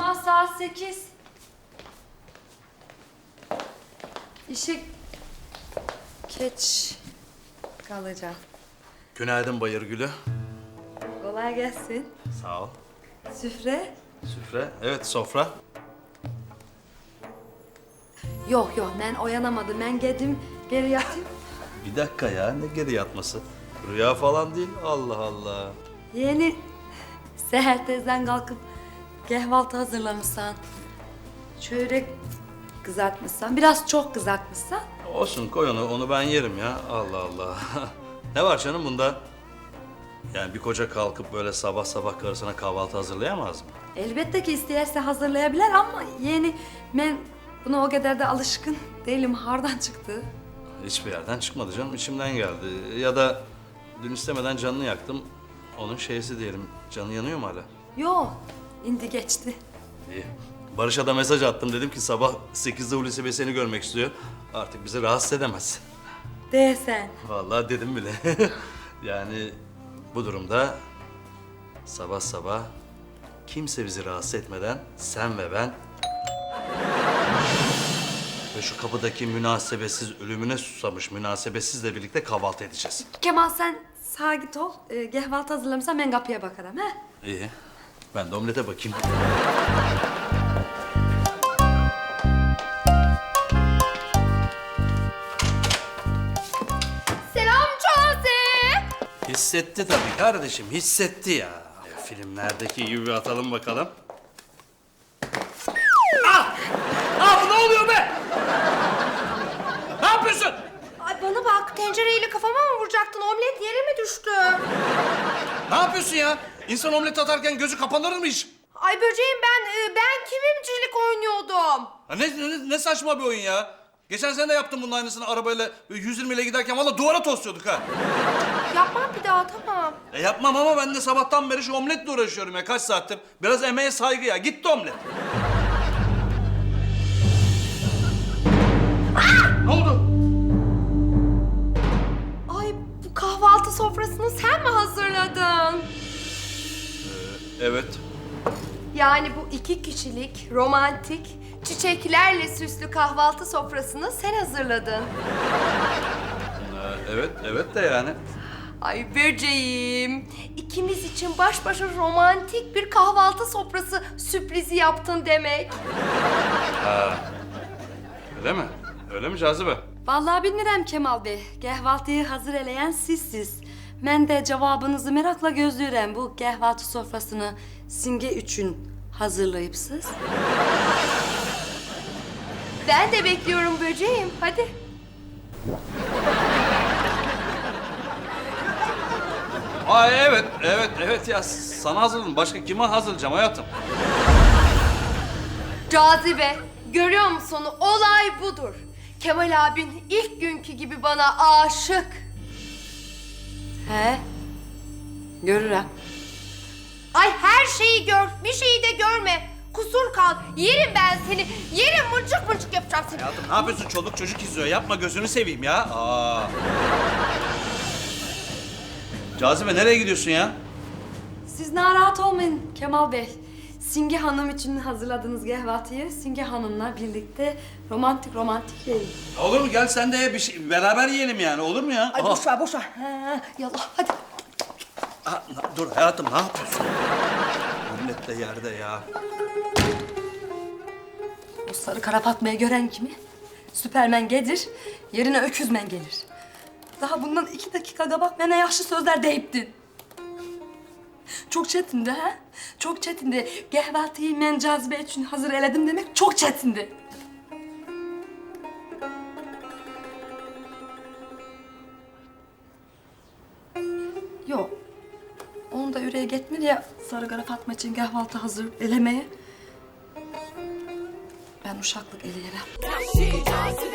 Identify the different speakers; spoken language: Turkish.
Speaker 1: Kemal saat 8. İşe geç kalacağım.
Speaker 2: Günaydın Bayırgül'ü.
Speaker 1: Kolay gelsin.
Speaker 2: Sağ ol.
Speaker 1: Süfre?
Speaker 2: Süfre, evet sofra.
Speaker 1: Yok ben uyanamadım. Ben geldim geri yatayım.
Speaker 2: Bir dakika ya, ne geri yatması? Rüya falan değil, Allah Allah.
Speaker 1: Yeni seher tezden kalkıp kahvaltı hazırlamışsan. Çörek kızartmışsan. Biraz çok kızartmışsan.
Speaker 2: Olsun koy onu ben yerim ya, Allah Allah. Ne var canım bunda? Yani bir koca kalkıp böyle sabah sabah karısına kahvaltı hazırlayamaz mı?
Speaker 1: Elbette ki isterse hazırlayabilir ama yeni ben buna o kadar da alışkın değilim. Hardan çıktı.
Speaker 2: Hiçbir yerden çıkmadı canım, içimden geldi. Ya da dün istemeden canını yaktım. Onun şeysi diyelim, canı yanıyor mu hala?
Speaker 1: Yok, indi geçti.
Speaker 2: İyi. Barış'a da mesaj attım, dedim ki sabah 8'de Hulusi Bey seni görmek istiyor. Artık bizi rahatsız edemez.
Speaker 1: Değsen.
Speaker 2: Vallahi dedim bile. Yani bu durumda sabah sabah kimse bizi rahatsız etmeden sen ve ben ve şu kapıdaki münasebetsiz ölümüne susamış münasebetsizle birlikte kahvaltı edeceğiz.
Speaker 1: Kemal sen sağa git ol. Kahvaltı hazırlamışsan ben kapıya bakarım he.
Speaker 2: İyi. Ben de omlete bakayım.
Speaker 3: Selam Çağatay.
Speaker 2: Hissetti tabii kardeşim, hissetti ya. Filmlerdeki gibi atalım bakalım. Bu ne oluyor be? Ne yapıyorsun?
Speaker 3: Ay bana bak, tencereyle kafama mı vuracaktın? Omlet yere mi düştü?
Speaker 2: Ne yapıyorsun ya? İnsan omlet atarken gözü kapanır mı hiç?
Speaker 3: Ay böceğim ben kimimcilik oynuyordum.
Speaker 2: Ha ne saçma bir oyun ya. Geçen sene de yaptım bunun aynısını arabayla 120 ile giderken valla duvara tosluyorduk ha.
Speaker 3: Yapmam bir daha, tamam.
Speaker 2: Yapmam ama ben de sabahtan beri şu omletle uğraşıyorum ya kaç saattir. Biraz emeğe saygı ya. Gitti omlet. Ne oldu?
Speaker 3: Ay bu kahvaltı sofrasını sen mi hazırladın?
Speaker 2: Evet.
Speaker 3: Yani bu 2 kişilik, romantik, çiçeklerle süslü kahvaltı sofrasını sen hazırladın.
Speaker 2: Evet de yani.
Speaker 3: Ay böceğim, ikimiz için baş başa romantik bir kahvaltı sofrası sürprizi yaptın demek.
Speaker 2: Öyle mi? Öyle mi Cazibe?
Speaker 1: Vallahi bilmirəm Kemal Bey. Kahvaltıyı hazır eleyen sizsiz. Ben de cevabınızı merakla gözlüyorum. Bu kahvaltı sofrasını Simge üçün hazırlayıpsız.
Speaker 3: Ben de bekliyorum böceğim, hadi.
Speaker 2: Evet ya sana hazırladım. Başka kime hazırlayacağım hayatım?
Speaker 3: Cazibe, görüyor musun? Olay budur. Kemal abin ilk günkü gibi bana aşık.
Speaker 1: He? Görürüm.
Speaker 3: Ay her şeyi gör, bir şeyi de görme. Kusur kal, yerim ben seni. Yerim, mıncık mıncık yapacağım seni.
Speaker 2: Hayatım ne yapıyorsun? Çoluk çocuk izliyor. Yapma gözünü seveyim ya. Cazibe nereye gidiyorsun ya?
Speaker 1: Siz narahat olmayın Kemal Bey. Simge Hanım için hazırladığınız kahvaltıyı Simge Hanım'la birlikte romantik yiyin.
Speaker 2: Olur mu? Gel sen de bir şey beraber yiyelim yani. Olur mu ya?
Speaker 3: Ay boş ver, boş ver. Ha, yallah hadi.
Speaker 2: Dur hayatım ne yapıyorsun? Millet de yerde ya.
Speaker 1: O sarı kara Fatma'yı gören kimi? Süpermen gelir, yerine öküzmen gelir. Daha bundan 2 dakika kabak bana yaxşı sözler deyiptin. Çok çetindi ha? Çok çetindi. Kahvaltıyı ben Cazibe için hazır eledim demek çok çetindi. Yok. Onun da yüreği gitmedi ya sarı kara Fatma için kahvaltı hazır elemeye. Ben uşaklık eleyerem.